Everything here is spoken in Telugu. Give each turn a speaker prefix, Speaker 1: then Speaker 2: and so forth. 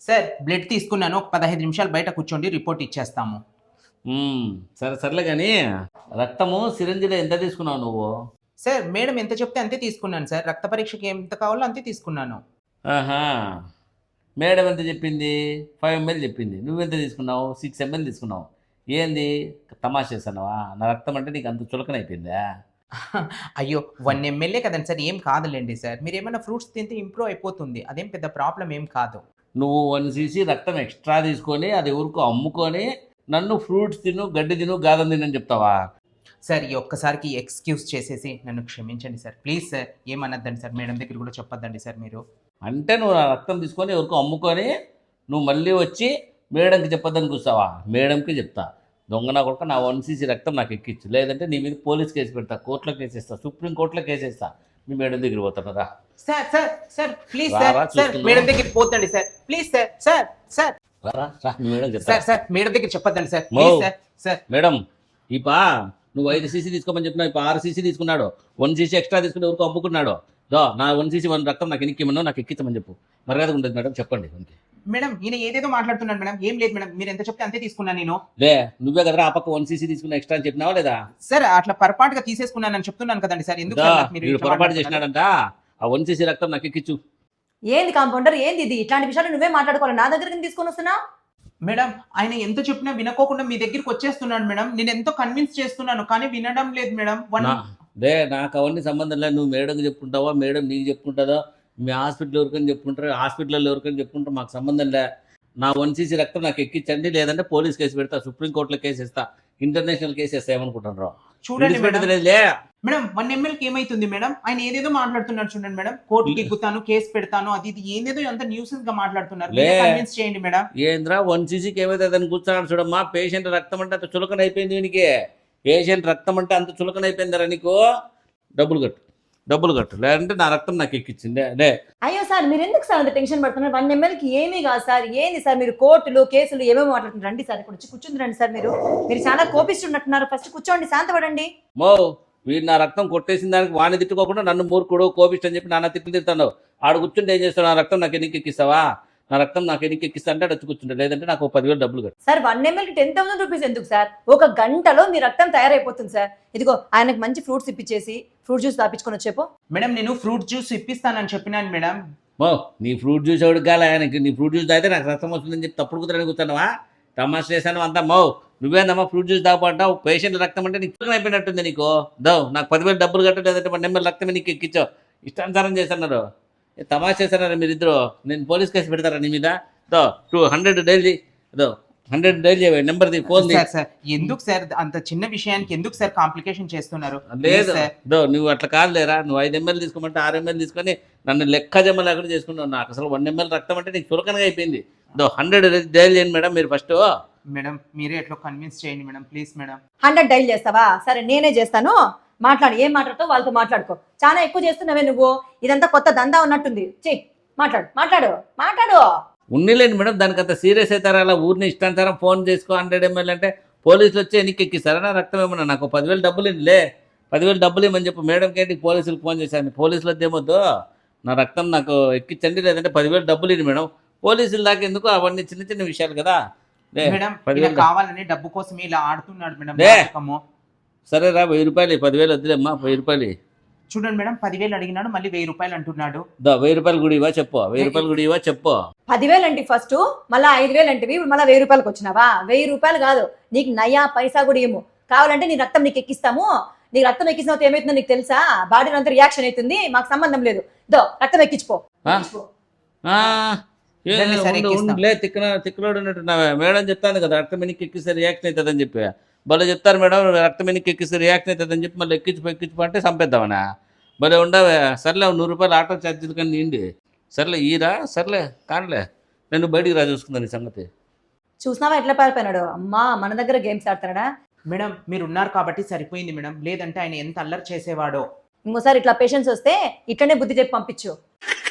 Speaker 1: సార్ బ్లడ్ తీసుకున్నాను. ఒక 15 నిమిషాలు బయట కూర్చోండి, రిపోర్ట్ ఇచ్చేస్తాము.
Speaker 2: సరే సర్లే కానీ రక్తము సిరంజిలో ఎంత తీసుకున్నావు నువ్వు?
Speaker 1: సార్ మేడం ఎంత చెప్తే అంతే తీసుకున్నాను సార్. రక్త పరీక్షకి ఎంత కావాలో అంతే తీసుకున్నాను.
Speaker 2: ఆహా! మేడం ఎంత చెప్పింది? 5 ml చెప్పింది. నువ్వెంత తీసుకున్నావు? 6 ml తీసుకున్నావు. ఏంది తమాషా చేస్తున్నావా? నా రక్తం అంటే నీకు అంత చులకనైపోయిందా?
Speaker 1: అయ్యో! 1 ఎంఎల్ఏ కదండి సార్, ఏం కాదులెండి సార్. మీరేమన్నా ఫ్రూట్స్ తింటే ఇంప్రూవ్ అయిపోతుంది. అదేం పెద్ద ప్రాబ్లమ్ ఏం కాదు.
Speaker 2: నువ్వు 1 cc రక్తం ఎక్స్ట్రా తీసుకొని అది ఎవరికో అమ్ముకొని నన్ను ఫ్రూట్స్ తిను, గడ్డి తిను, గాదం తినని చెప్తావా?
Speaker 1: సార్ ఈ ఒక్కసారికి ఎక్స్‌క్యూజ్ చేసేసి నన్ను క్షమించండి సార్. ప్లీజ్ సార్, ఏమనొద్దండి సార్. మేడం దగ్గర కూడా చెప్పొద్దండి సార్ మీరు.
Speaker 2: అంటే నువ్వు నా రక్తం తీసుకొని ఎవరికో అమ్ముకొని నువ్వు మళ్ళీ వచ్చి మేడంకి చెప్పొద్దని కూర్చోవా? మేడంకి చెప్తా. దొంగ నా కొడుకు, నా 1 cc రక్తం నాకు ఎక్కించు, లేదంటే నీ మీద పోలీస్ కేసు పెడతా, కోర్టులో కేసేస్తా, సుప్రీం కోర్టులో కేసేస్తా. మీ మేడం దగ్గర పోతాను రా.
Speaker 1: సార్ సార్ సార్ ప్లీజ్
Speaker 2: రా,
Speaker 1: సార్.
Speaker 2: రా,
Speaker 1: సార్
Speaker 2: చూసుకుందాం.
Speaker 1: మేడం దగ్గరికి పోతండి sir. Please sir. Sir sir
Speaker 2: రా రా, మీ మేడం చెప్తా.
Speaker 1: సార్ సార్ మేడం దగ్గర చెప్పొద్దండి సార్.
Speaker 2: మో.
Speaker 1: Please sir. సార్
Speaker 2: మేడం ఇపా నువ్వు 5 cc తీసుకోమని చెప్పినావు, ఇప్పుడు 6 cc తీసుకున్నాడు. 1 cc ఎక్స్ట్రా తీసుకుని ఎవరికో అమ్ముకున్నాడు. నా 1 cc 1 రక్తం నాకు ఎనిక్కిమన్నావు, నాకు ఎక్కించమని చెప్పు. మర్యాదగా ఉంటుంది మేడం, చెప్పండి.
Speaker 1: మేడం ఈయన ఏదేదో మాట్లాడుతున్నాడు మేడం. ఏం లేదు మేడం, మీరు ఎంత చెప్తే అంతే తీసుకున్నాను నేను.
Speaker 2: లే, నువ్వే కదరా ఆ పక్క 1 cc తీసుకున్న ఎక్స్ట్రా అని చెప్పినావా లేదా?
Speaker 1: సార్ అట్లా పొరపాటుగా తీసేసుకున్నానని చెప్తున్నాను కదండి సార్. ఎందుకు
Speaker 2: దా,
Speaker 1: సార్ నాకు మీరు
Speaker 2: వీడు
Speaker 1: ఇట్లా
Speaker 2: పొరపాటు
Speaker 1: మాట్లాడుతున్నారు?
Speaker 2: చేసినాడంట. ఆ 1 cc రక్తం నాకు ఎక్కించు.
Speaker 3: ఏంది కాంపౌండర్, ఏంది ఇది? ఇట్లాంటి విషయాలు నువ్వే మాట్లాడుకోవాలి, నా దగ్గరికి తీసుకొని వస్తున్నా.
Speaker 1: మేడం ఆయన ఎంత చెప్పినా వినకోకుండా మీ దగ్గరికి వచ్చేస్తున్నాడు మేడం. నేను ఎంతో కన్విన్స్ చేస్తున్నాను కానీ వినడం లేదు మేడం.
Speaker 2: నాకు అవన్నీ సంబంధం లేదు. నువ్వు మేడంకి చెప్పుకుంటావా, మేడం నీకు చెప్పుకుంటుందో, మీ హాస్పిటల్ ఎవరికని చెప్పుకుంటారు, హాస్పిటల్లో ఎవరికని చెప్పుకుంటారు, మాకు సంబంధం లే. నా 1 cc రక్తం నాకు ఎక్కించండి, లేదంటే పోలీస్ కేసు పెడతా, సుప్రీంకోర్టులో కేసు ఇస్తా, ఇంటర్నేషనల్ కేసు వేస్తా. ఏమనుకుంటున్నారు?
Speaker 1: చూడండి మేడం.
Speaker 2: లే
Speaker 1: మేడం 1 ml కి ఏమైతుంది మేడం? ఆయన ఏదేదో మాట్లాడుతున్నాడు చూడండి మేడం. కోర్టుకి ఎక్కుతాను, కేసు పెడతాను, అది ఇది ఏదేదో అంత న్యూసెన్స్ గా మాట్లాడుతున్నారు. కన్విన్స్ చేయండి మేడం.
Speaker 2: ఏంద్రా 1 cc ఏమైతే అతను కూర్చున్నాడు చూడమ్మా. పేషెంట్ రక్తం అంటే అంత చులకన అయిపోయింది వీనికి. పేషెంట్ రక్తం అంటే అంత చులకన అయిపోయిందరా నీకు? డబ్బులు కట్టు, లేదంటే నా రక్తం నాకు ఎక్కించింది. లే
Speaker 3: అయ్యో సార్, మీరు ఎందుకు సార్ అంత టెన్షన్ పడుతున్నారు? 1 ml కి ఏమీ కాదు సార్. ఏంది సార్ మీరు కోర్టులు కేసులు ఏమేమి మాట్లాడుతున్నారు? రండి సార్, ఇక్కడ వచ్చి కూర్చుంది రండి సార్. మీరు చాలా కోపిస్తున్నట్టున్నారు. ఫస్ట్ కూర్చోండి, శాంతపడండి.
Speaker 2: మో, వీడు నా రక్తం కొట్టేసిన దానికి వాడిని తిట్టుకోకుండా నన్ను మూర్ఖుడు, కోపిస్ట్ అని చెప్పి నాన్న తిట్లు తిడతాను. ఆడు కూర్చుంటే ఏం చేస్తావు? నా రక్తం నాకు ఎన్నికి ఎక్కిస్తావా? నా రక్తం నాకు ఎన్నికి ఎక్కిస్తా అంటే వచ్చి కూర్చుంటే, లేదంటే నాకు 10,000 డబ్బులు కట్టు.
Speaker 3: సార్ 1 ml కి 10,000 రూపీస్ ఎందుకు సార్? ఒక గంటలో మీ రక్తం తయారైపోతుంది సార్. ఇదిగో ఆయనకు మంచి ఫ్రూట్స్ ఇప్పించేసి ఫ్రూట్ జ్యూస్ తాపించుకొని వచ్చేపో.
Speaker 1: మేడం నేను ఫ్రూట్ జ్యూస్ ఇప్పిస్తానని చెప్పినాను మేడం.
Speaker 2: మో, నీ ఫ్రూట్ జ్యూస్ ఎవరికి కాలే? ఆయనకి నీ ఫ్రూట్ జ్యూస్ తాగితే నాకు రక్తం వస్తుందని చెప్పి తప్పుడు కుదరని కూర్చున్నావా? తమాషా చేశాను అంతా. మో, నువ్వేందమ్మా ఫ్రూట్ జ్యూస్ తాగమంటావు? పేషెంట్ రక్తం అంటే నీకు చులకన అయిపోయినట్టుంది నీకు. నాకు 10,000 డబ్బులు కట్టు, లేదంటే 1 ml రక్తమే నీకు ఎక్కించావు. ఇష్టానుసారం చేస్తున్నారు. తమాషా చేస్తున్నారు మీరిద్దరు. నేను పోలీస్ కేసు పెడతారా నీ మీద? 200 daily 100 daily number phone.
Speaker 1: Sir sir ఎందుకు సార్ అంత చిన్న విషయానికి ఎందుకు సార్ కాంప్లికేషన్ చేస్తున్నారు?
Speaker 2: లేదు
Speaker 1: సార్
Speaker 2: నువ్వు అట్లా కాదులేరా. నువ్వు 5 ml తీసుకోమంటే 6 ml తీసుకొని నన్ను లెక్క జమ లేకుండా చేసుకుంటావు. నాకు అసలు 1 ml రక్తం అంటే నీకు చులకనగా అయిపోయింది. 100 డైలీ చేయండి మేడం మీరు ఫస్ట్.
Speaker 1: మేడం మీరే ఎట్లా కన్విన్స్ చేయండి మేడం, ప్లీజ్ మేడం.
Speaker 3: 100 డైల్ చేస్తావా? సరే నేనే చేస్తాను. మాట్లాడు, ఏం మాట్లాడుతావు వాళ్ళతో మాట్లాడుకో. చాలా ఎక్కువ చేస్తున్నావే నువ్వు. ఇదంతా కొత్త దందా ఉన్నట్టుంది. మాట్లాడు.
Speaker 2: ఉన్నిలేండి మేడం, దానికి అంత సీరియస్ అవుతారా? అలా ఊరిని ఇష్టానుసారం ఫోన్ చేసుకో 100 ml అంటే పోలీసులు వచ్చి ఎన్నికి ఎక్కిస్తారా నా రక్తం? ఏమన్నా నాకు 10,000 డబ్బులు లే, 10,000 డబ్బులు ఇవ్వమని చెప్పు. మేడంకి ఏంటి పోలీసులకు ఫోన్ చేశాను. పోలీసులు వద్ద ఏమొద్దు, నా రక్తం నాకు ఎక్కించండి, లేదంటే 10,000 డబ్బులు ఇవ్వండి మేడం. పోలీసుల దాకా ఎందుకు? అవన్నీ చిన్న చిన్న విషయాలు కదా.
Speaker 1: మేడం ఇలా కావాలని డబ్బు కోసం ఇలా ఆడుతున్నాడు మేడం.
Speaker 2: సరేరా 1,000 రూపాయలు, 10,000 వద్దులేమ్మా. 1,000 రూపాయలు
Speaker 1: చూడండి మేడం, 10,000 అడిగినాడు, మళ్ళీ 1,000 రూపాయలు అంటున్నాడు.
Speaker 2: 1,000 రూపాయలు కూడా ఇవ్వా చెప్పు. 1,000 రూపాయలు కూడా ఇవ్వా చెప్పు.
Speaker 3: 10,000 అంటే ఫస్ట్, మళ్ళీ 5,000 అంటే మళ్ళీ 1,000 రూపాయలకు వచ్చినావా? 1,000 రూపాయలు కాదు, నీకు నయా పైసా కూడా ఏమో. కావాలంటే నీ రక్తం నీకు ఎక్కిస్తాము. నీకు రక్తం ఎక్కిసిన ఏమవుతుందో నీకు తెలుసా? బాడీలో అంతా రియాక్షన్ అవుతుంది, మాకు సంబంధం లేదు. రక్తం ఎక్కించుకో.
Speaker 2: తిక్కలోడు ఉన్నట్టు మేడం చెప్తాను కదా, రక్తం ఎన్నికి ఎక్కిస్తే రియాక్షన్ అవుతుందని చెప్పి. భలే చెప్తారు మేడం, రక్తం ఎన్నికి ఎక్కిస్తే రియాక్షన్ అవుతుందని చెప్పి మళ్ళీ ఎక్కించిపో అంటే చంపేద్దామనా? భలే ఉండవే. సర్లే 100 రూపాయలు ఆటో ఛార్జీలు కానీ నిండి. సర్లే ఈరా, సర్లే కానిలే, నేను బయటికి రా చూసుకుందాను ఈ సంగతి.
Speaker 3: చూసినావా ఎట్లా పారిపోయినాడు? అమ్మా మన దగ్గర గేమ్స్ ఆడతాడా?
Speaker 1: మేడం మీరు ఉన్నారు కాబట్టి సరిపోయింది మేడం, లేదంటే ఆయన ఎంత అల్లరి చేసేవాడో.
Speaker 3: ఇంకోసారి ఇట్లా పేషెంట్స్ వస్తే ఇట్లనే బుద్ధి చెప్పి పంపించు.